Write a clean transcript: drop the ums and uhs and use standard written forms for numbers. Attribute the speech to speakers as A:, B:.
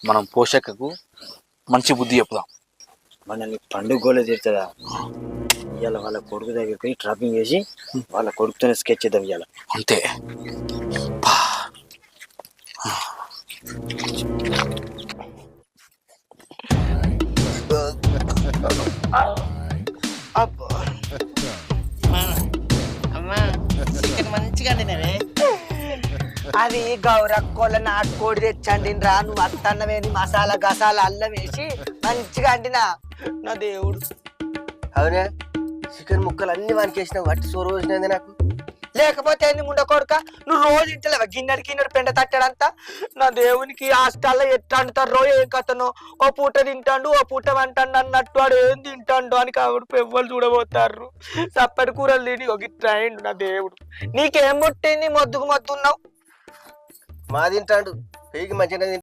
A: మనం పోషకకు మంచి బుద్ధి చెప్పుదాం.
B: మనల్ని పండుగలో తీరుతుందా ఇవాళ వాళ్ళ కొడుకు దగ్గరికి పోయి ట్రాపింగ్ చేసి వాళ్ళ కొడుకుతోనే స్కెచ్ చేద్దాం ఇవాళ.
A: అంతే.
C: అది గౌరక్కోళ్ళ నాటుకోడి తెచ్చండి రా. నువ్వు అత్తన్నవేని మసాలా గసాలా అల్లం వేసి మంచిగా అండినా నా దేవుడు.
D: అవునే చికెన్ ముక్కలు అన్ని వానికి వేసినావు వట్టి సోరు వచ్చినది నాకు.
C: లేకపోతే ఏంది ముండ కొడుక, నువ్వు రోజు ఇంటలేవా గిన్నెడు పెండ తట్టాడంతా. నా దేవునికి హాస్టల్లో ఎట్లా అంటారో ఏం కథనో, ఓ పూట తింటాడు ఓ పూట వంటాడు అన్నట్టు వాడు ఏం తింటాడు అని కాబట్టి ఎవ్వరు చూడబోతారు. చప్పటి కూరలు తిని ఒక ట్రైండ్ నా దేవుడు. నీకేం పుట్టింది మొద్దుకు మొద్దున్నావు?
D: మా తింటాడు పెయికి మంచిగా